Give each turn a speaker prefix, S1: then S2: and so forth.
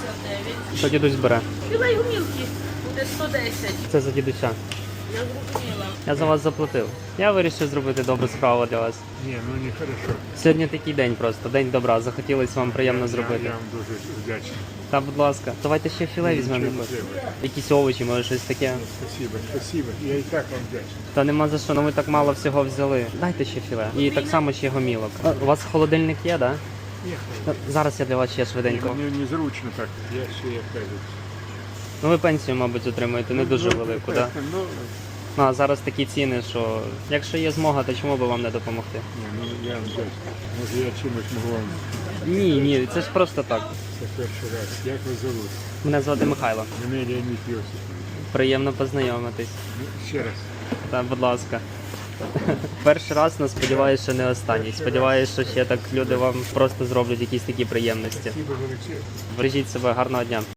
S1: Що дідусь бере?
S2: Філей гумілки буде 110.
S1: Це за дідуся.
S2: Я зрозуміла.
S1: Я за вас заплатив. Я вирішив зробити добру справу для вас.
S3: Ні, ну не хорошо.
S1: Сьогодні такий день просто, день добра. Захотілося вам приємно зробити.
S3: Я вам дуже вдячний.
S1: Та, будь ласка, давайте ще філе візьмемо.
S3: Нічого не треба.
S1: Якісь овочі, може щось таке.
S3: Спасибо, спасибо. Я і так вам вдячний.
S1: Та нема за що, ну ми так мало всього взяли. Дайте ще філе. І так само ще гомілок. У вас холодильник є, так?
S3: Ні,
S1: Зараз я для вас ще швиденько.
S3: мені незручно так. Я ще як кажуть.
S1: Ну ви пенсію, мабуть, отримуєте не дуже велику, так?
S3: Ну,
S1: Ну а зараз такі ціни, що якщо є змога, то чому би вам не допомогти?
S3: ні, ну я вам вдячний. Може я чимось можу вам.
S1: Ні, це ж просто так.
S3: Це перший раз. Як вас зовут?
S1: Мене звати Михайло.
S3: Мене Леонід Йосипович.
S1: Приємно познайомитись.
S3: Ну, ще раз.
S1: Та, будь ласка. Перший раз, але сподіваюся, що не останній. Сподіваюся, що ще так люди вам просто зроблять якісь такі приємності.
S3: Спасибо величезне.
S1: Бережіть себе, гарного дня.